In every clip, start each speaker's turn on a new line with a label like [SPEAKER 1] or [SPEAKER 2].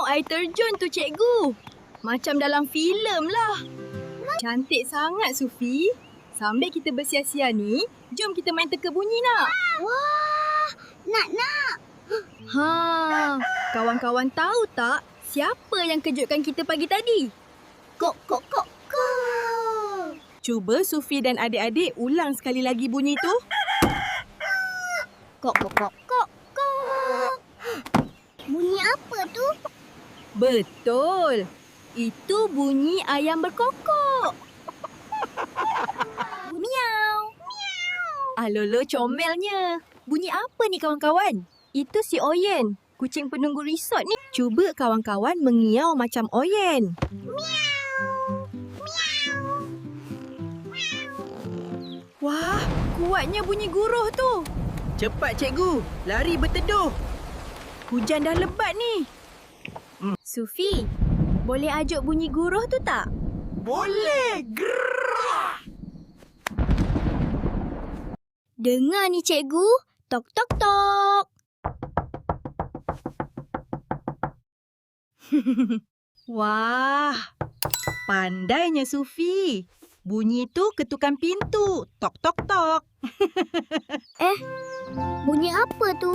[SPEAKER 1] air terjun tu, cikgu. Macam dalam filem lah. Cantik sangat, Sufi. Sambil kita bersia-sia ni, jom kita main teka bunyi nak.
[SPEAKER 2] Wah, nak.
[SPEAKER 1] Ha, kawan-kawan tahu tak siapa yang kejutkan kita pagi tadi?
[SPEAKER 2] Kok.
[SPEAKER 1] Cuba Sufi dan adik-adik ulang sekali lagi bunyi tu.
[SPEAKER 2] Kok. Bunyi apa tu?
[SPEAKER 1] Betul. Itu bunyi ayam berkokok.
[SPEAKER 2] Miau.
[SPEAKER 1] Alolo comelnya. Bunyi apa ni kawan-kawan? Itu si Oyen, kucing penunggu resort ni. Cuba kawan-kawan mengiau macam Oyen. Wah, kuatnya bunyi guruh tu. Cepat cikgu, lari berteduh. Hujan dah lebat ni. Sufi, boleh ajuk bunyi guruh tu tak?
[SPEAKER 3] Boleh!
[SPEAKER 2] Dengar ni cikgu. Tok tok tok.
[SPEAKER 1] Wah, pandainya Sufi. Bunyi tu ketukan pintu. Tok tok tok.
[SPEAKER 2] Bunyi apa tu?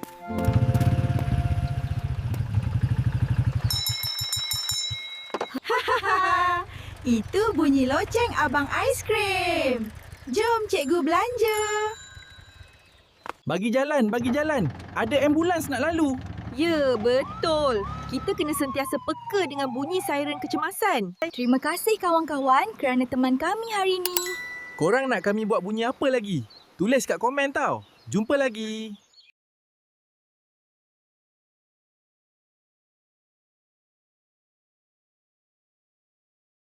[SPEAKER 1] Itu bunyi loceng abang aiskrim. Jom cikgu belanja.
[SPEAKER 3] Bagi jalan. Ada ambulans nak lalu.
[SPEAKER 1] Ya, betul. Kita kena sentiasa peka dengan bunyi siren kecemasan. Terima kasih kawan-kawan kerana teman kami hari ini.
[SPEAKER 3] Korang nak kami buat bunyi apa lagi? Tulis kat komen tau. Jumpa lagi.